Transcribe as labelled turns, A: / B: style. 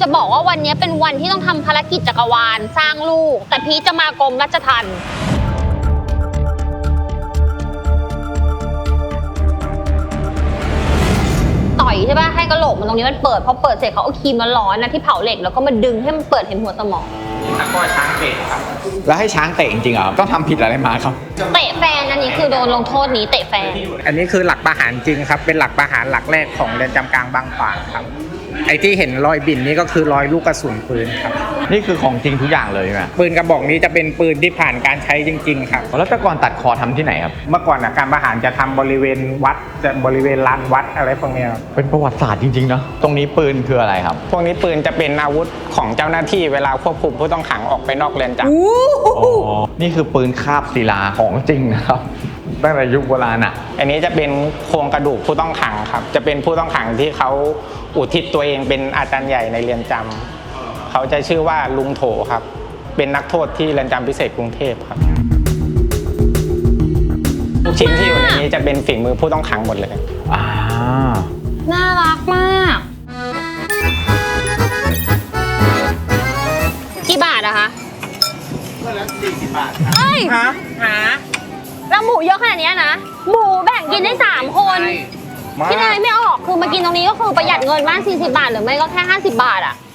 A: จะบอกว่าวันนี้เป็นวันที่ต้องทำภารกิจจักรวาลสร้างลูก แต่พีชจะมากรมราชทัณฑ์ต่อยใช่ป่ะให้กระโหลกมันตรงนี้มันเปิดพอเปิดเสร็จเขาเอาครีมร้อนๆนะที่เผาเหล็กแล้วก็มาดึงให้มันเปิดเห็นหัวสมอง
B: แล้วก็ช้างเตะครับ
C: แล้วให้ช้างเตะจริงๆเหรอต้องทำผิดอะไรมาครับ
A: เตะแฟนอันนี้คือโดนลงโทษนี้เตะแฟน
B: อันนี้คือหลักประหารจริงครับ เป็นหลักประหารหลักแรกของเรือนจำกลางบางขวางครับ ไอ้ที่เห็นรอยบิ่นนี่ก็คือรอยลูกกระสุนปืนครับ
C: นี่คือของจริงทุกอย่างเลยใช่ไหม
B: ปืนกระบอกนี้จะเป็นปืนที่ผ่านการใช้จริงๆครับ
C: แล้วแต่ก่อนตัดคอทำที่ไหนครับ
B: เมื่อก่อนการประหารจะทำบริเวณวัดจะบริเวณลานวัดอะไรพวกนี้ครับ
C: เป็นประวัติศาสตร์จริงๆเนาะตรงนี้ปืนคืออะไรครับ
B: พวกนี้ปืนจะเป็นอาวุธของเจ้าหน้าที่เวลาควบคุมผู้ต้องขังออกไปนอกเรือนจำ
C: นี่คือปืนคาบศิลาของจริงนะครับตั้งแต่ยุคโบราณอ่ะ
B: อันนี้จะเป็นโครงกระดูกผู้ต้องขังครับ จะเป็นผู้ต้องขังที่เขาอุทิศตัวเองเป็นอาจารย์ใหญ่ในเรือนจำเขาจะชื่อว่าลุงโถครับ เป็นนักโทษที่เรือนจำพิเศษกรุงเทพครับทุกชิ้นที่อยู่ในนี้จะเป็นฝีมือผู้ต้องขังหมดเลย
A: น่ารักมาก กี่บาทอะคะ40 บาทเอ้ยแล้วหมูเยอะขนาดนี้นะ หมูแบ่งกินได้3 คนพี่นายไม่ออกคือมากินตรงนี้ก็คือประหยัดเงินมาก40 บาทหรือไม่ก็แค่50 บาทอะ